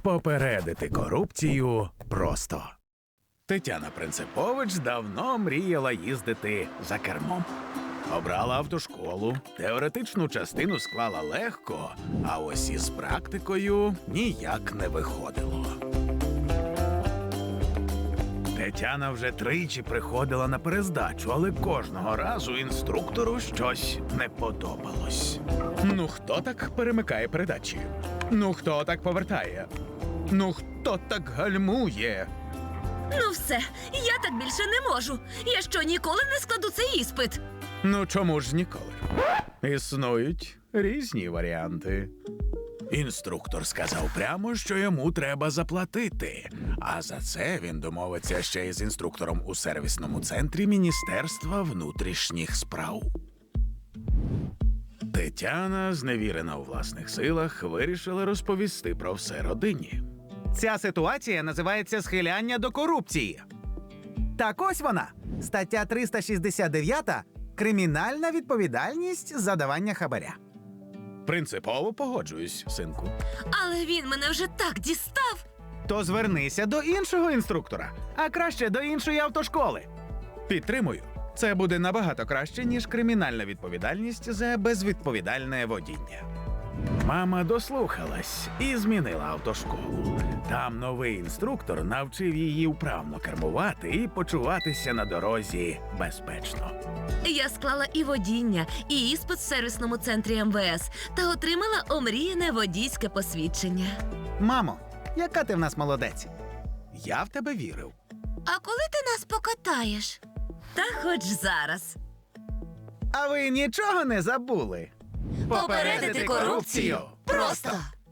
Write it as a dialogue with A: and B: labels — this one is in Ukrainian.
A: Попередити корупцію просто. Тетяна Принципович давно мріяла їздити за кермом. Обрала автошколу, теоретичну частину склала легко, а ось із практикою ніяк не виходило. Тетяна вже тричі приходила на перездачу, але кожного разу інструктору щось не подобалось. Ну хто так перемикає передачі? Ну хто так повертає? Ну хто так гальмує?
B: Ну все, я так більше не можу. Я що, ніколи не складу цей іспит?
A: Ну чому ж ніколи? Існують різні варіанти. Інструктор сказав прямо, що йому треба заплатити. А за це він домовиться ще й з інструктором у сервісному центрі Міністерства внутрішніх справ. Тетяна, зневірена у власних силах, вирішила розповісти про все родині.
C: Ця ситуація називається схиляння до корупції. Так ось вона. Стаття 369 – кримінальна відповідальність за давання хабаря.
A: Принципово погоджуюсь, синку.
B: Але він мене вже так дістав.
C: То звернися до іншого інструктора, а краще до іншої автошколи.
A: Підтримую. Це буде набагато краще, ніж кримінальна відповідальність за безвідповідальне водіння. Мама дослухалась і змінила автошколу. Там новий інструктор навчив її вправно кермувати і почуватися на дорозі безпечно.
B: Я склала і водіння, і іспит в сервісному центрі МВС та отримала омріяне водійське посвідчення.
C: Мамо, яка ти в нас молодець?
A: Я в тебе вірив.
B: А коли ти нас покатаєш? Та хоч зараз.
C: А ви нічого не забули?
B: Попередити корупцію просто.